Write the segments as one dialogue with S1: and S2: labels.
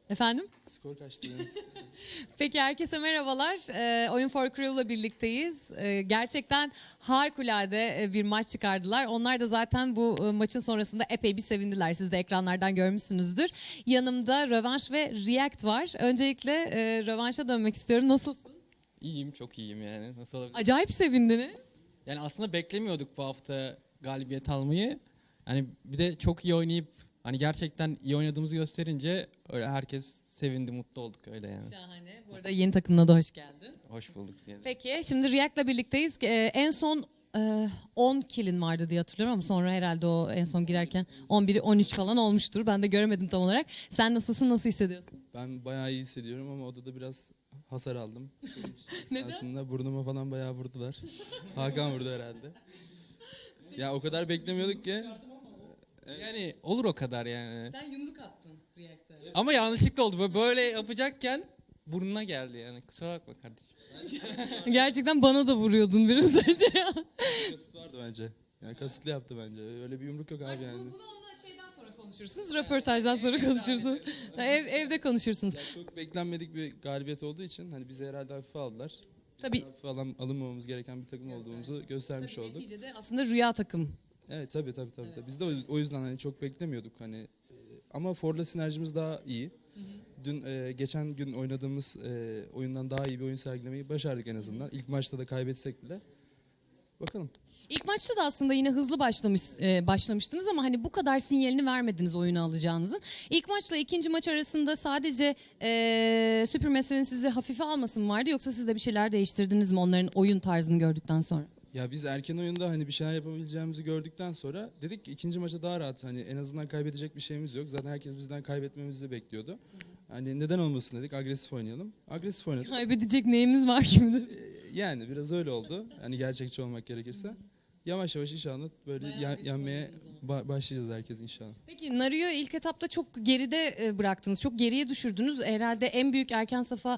S1: Efendim?
S2: Skor kaçtı?
S1: Peki herkese merhabalar. Oyun for Crew'la birlikteyiz. Gerçekten harikulade bir maç çıkardılar. Onlar da zaten bu maçın sonrasında epey bir sevindiler. Siz de ekranlardan görmüşsünüzdür. Yanımda Rövanş ve React var. Öncelikle Rövanş'a dönmek istiyorum. Nasılsın?
S3: İyiyim, çok iyiyim yani. Nasıl olabilir?
S1: Acayip sevindiniz.
S3: Yani aslında beklemiyorduk bu hafta galibiyet almayı. Hani bir de çok iyi oynayıp hani gerçekten iyi oynadığımızı gösterince öyle herkes sevindi, mutlu olduk öyle yani.
S1: Şahane. Bu arada yeni takımına da hoş geldin.
S3: Hoş bulduk diyelim.
S1: Peki şimdi React'la birlikteyiz. En son 10 kill'in vardı diye hatırlıyorum ama sonra herhalde o en son girerken 11'i 13 falan olmuştur. Ben de göremedim tam olarak. Sen nasılsın? Nasıl hissediyorsun?
S2: Ben bayağı iyi hissediyorum ama odada biraz hasar aldım.
S1: Neden?
S2: Aslında burnuma falan bayağı vurdular. Hakan vurdu herhalde. Ya o kadar beklemiyorduk ki.
S3: Yani olur o kadar yani.
S1: Sen yumruk attın React'e.
S3: Ama yanlışlıkla oldu. Böyle yapacakken burnuna geldi yani. Kusura bakma kardeşim.
S1: Gerçekten bana da vuruyordun biraz önce ya.
S2: Kasıt vardı bence. Yani kasıtlı yaptı bence. Öyle bir yumruk yok abi yani.
S1: Bunu ondan şeyden sonra konuşursunuz. Röportajdan sonra konuşursunuz. Evde konuşursunuz.
S2: Ya çok beklenmedik bir galibiyet olduğu için hani bizi herhalde hafife aldılar.
S1: Tabii.
S2: Hafife alınmamamız gereken bir takım olduğumuzu göstermiş olduk.
S1: Neticede aslında rüya takım.
S2: Evet tabii. Biz de o yüzden hani çok beklemiyorduk hani ama For'la sinerjimiz daha iyi. Dün geçen gün oynadığımız oyundan daha iyi bir oyun sergilemeyi başardık en azından. İlk maçta da kaybetsek bile. Bakalım.
S1: İlk maçta da aslında yine hızlı başlamıştınız ama hani bu kadar sinyalini vermediniz oyunu alacağınızın. İlk maçla ikinci maç arasında sadece Supermassive'in sizi hafife alması mı vardı yoksa siz de bir şeyler değiştirdiniz mi onların oyun tarzını gördükten sonra?
S2: Ya biz erken oyunda hani bir şeyler yapabileceğimizi gördükten sonra dedik ki ikinci maça daha rahat hani en azından kaybedecek bir şeyimiz yok. Zaten herkes bizden kaybetmemizi bekliyordu. Hani neden olmasın dedik, agresif oynayalım. Agresif oynadık.
S1: Kaybedecek neyimiz var şimdi?
S2: Yani biraz öyle oldu. Hani gerçekçi olmak gerekirse. Yavaş yavaş inşallah böyle yenmeye başlayacağız herkes inşallah.
S1: Peki Nario'yu ilk etapta çok geride bıraktınız. Çok geriye düşürdünüz. Herhalde en büyük erken safa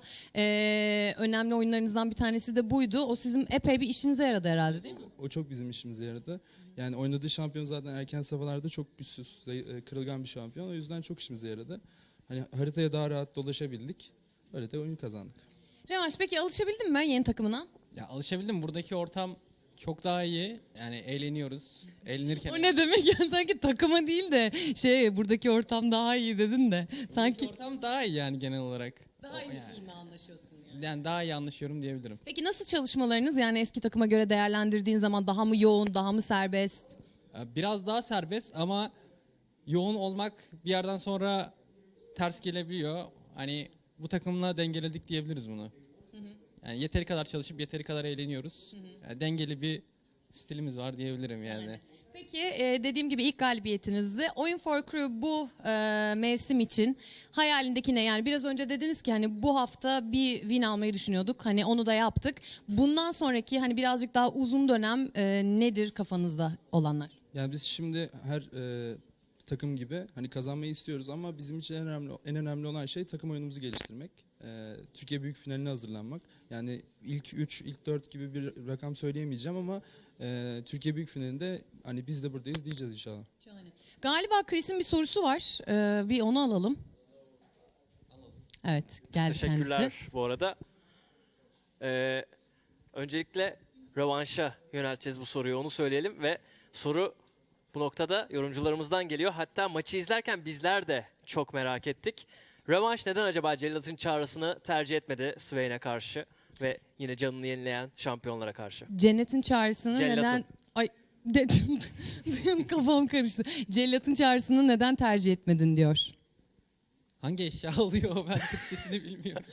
S1: önemli oyunlarınızdan bir tanesi de buydu. O sizin epey bir işinize yaradı herhalde değil mi?
S2: O çok bizim işimize yaradı. Yani oynadığı şampiyon zaten erken safhalarda çok güçsüz, kırılgan bir şampiyon. O yüzden çok işimize yaradı. Hani haritaya daha rahat dolaşabildik. Öyle de oyun kazandık.
S1: Revanş peki alışabildin mi yeni takımına?
S3: Ya alışabildim. Buradaki ortam çok daha iyi. Yani eğleniyoruz. Eğlenirken...
S1: O ne demek ya sanki takıma değil de buradaki ortam daha iyi dedin de. Sanki
S3: Ortam daha iyi yani genel olarak.
S1: daha iyi,
S3: Yani,
S1: iyi mi anlaşıyorsun yani?
S3: yani daha iyi anlaşıyorum diyebilirim.
S1: Peki nasıl çalışmalarınız yani eski takıma göre değerlendirdiğin zaman daha mı yoğun, daha mı serbest?
S3: Biraz daha serbest ama yoğun olmak bir yerden sonra ters gelebiliyor. Hani bu takımla dengeledik diyebiliriz bunu. Yani yeteri kadar çalışıp yeteri kadar eğleniyoruz. Yani dengeli bir stilimiz var diyebilirim yani.
S1: Peki dediğim gibi ilk galibiyetinizdi. Oyun for Crew bu mevsim için hayalindeki ne? Yani biraz önce dediniz ki hani bu hafta bir win almayı düşünüyorduk. Hani onu da yaptık. Bundan sonraki hani birazcık daha uzun dönem nedir kafanızda olanlar?
S2: Yani biz şimdi her takım gibi hani kazanmayı istiyoruz ama bizim için en önemli olan şey takım oyunumuzu geliştirmek. Türkiye Büyük Finali'ne hazırlanmak. Yani ilk 3, ilk 4 gibi bir rakam söyleyemeyeceğim ama Türkiye Büyük Finali'nde hani biz de buradayız diyeceğiz inşallah.
S1: Galiba Chris'in bir sorusu var. Bir onu alalım. Evet, geldi
S4: Teşekkürler
S1: kendisi.
S4: bu arada. Öncelikle rövanşa yönelteceğiz bu soruyu, onu söyleyelim ve soru bu noktada yorumcularımızdan geliyor. Hatta maçı izlerken bizler de çok merak ettik. Rövanş neden acaba Cellat'ın çağrısını tercih etmedi Swain'e karşı ve yine canını yenileyen şampiyonlara karşı?
S1: Cennetin çağrısını
S4: Cellat'ın.
S1: neden... Ay kafam karıştı. Cellat'ın çağrısını neden tercih etmedin diyor.
S3: Hangi eşya oluyor ben Türkçesini bilmiyorum.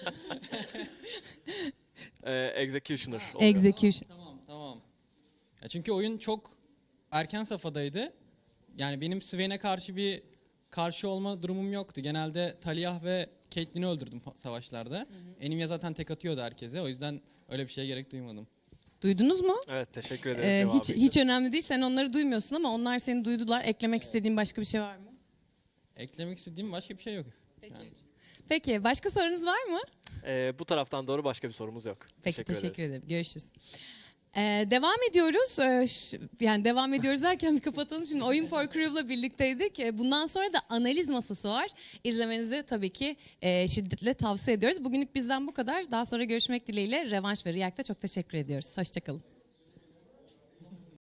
S4: Executioner oluyor.
S1: Execution.
S3: Tamam. Ya çünkü oyun çok erken safhadaydı. Yani benim Swain'e karşı olma durumum yoktu. Genelde Talia ve Caitlyn'i öldürdüm savaşlarda. Enimya zaten tek atıyordu herkese. O yüzden öyle bir şeye gerek duymadım.
S1: Duydunuz mu?
S4: Evet, teşekkür ederiz cevabı için.
S1: Hiç önemli değil. Sen onları duymuyorsun ama onlar seni duydular. Eklemek istediğin başka bir şey var mı?
S3: Eklemek istediğim başka bir şey yok.
S1: Peki.
S3: Yani.
S1: Peki başka sorunuz var mı?
S4: Bu taraftan doğru başka bir sorumuz yok.
S1: Peki teşekkür
S4: ederiz.
S1: ederim. Görüşürüz. Devam ediyoruz. Yani devam ediyoruz derken bir kapatalım. Şimdi Oyun for Crew'la birlikteydik. Bundan sonra da analiz masası var. İzlemenizi tabii ki şiddetle tavsiye ediyoruz. Bugünlük bizden bu kadar. Daha sonra görüşmek dileğiyle. Revanş ve React'a çok teşekkür ediyoruz. Hoşçakalın.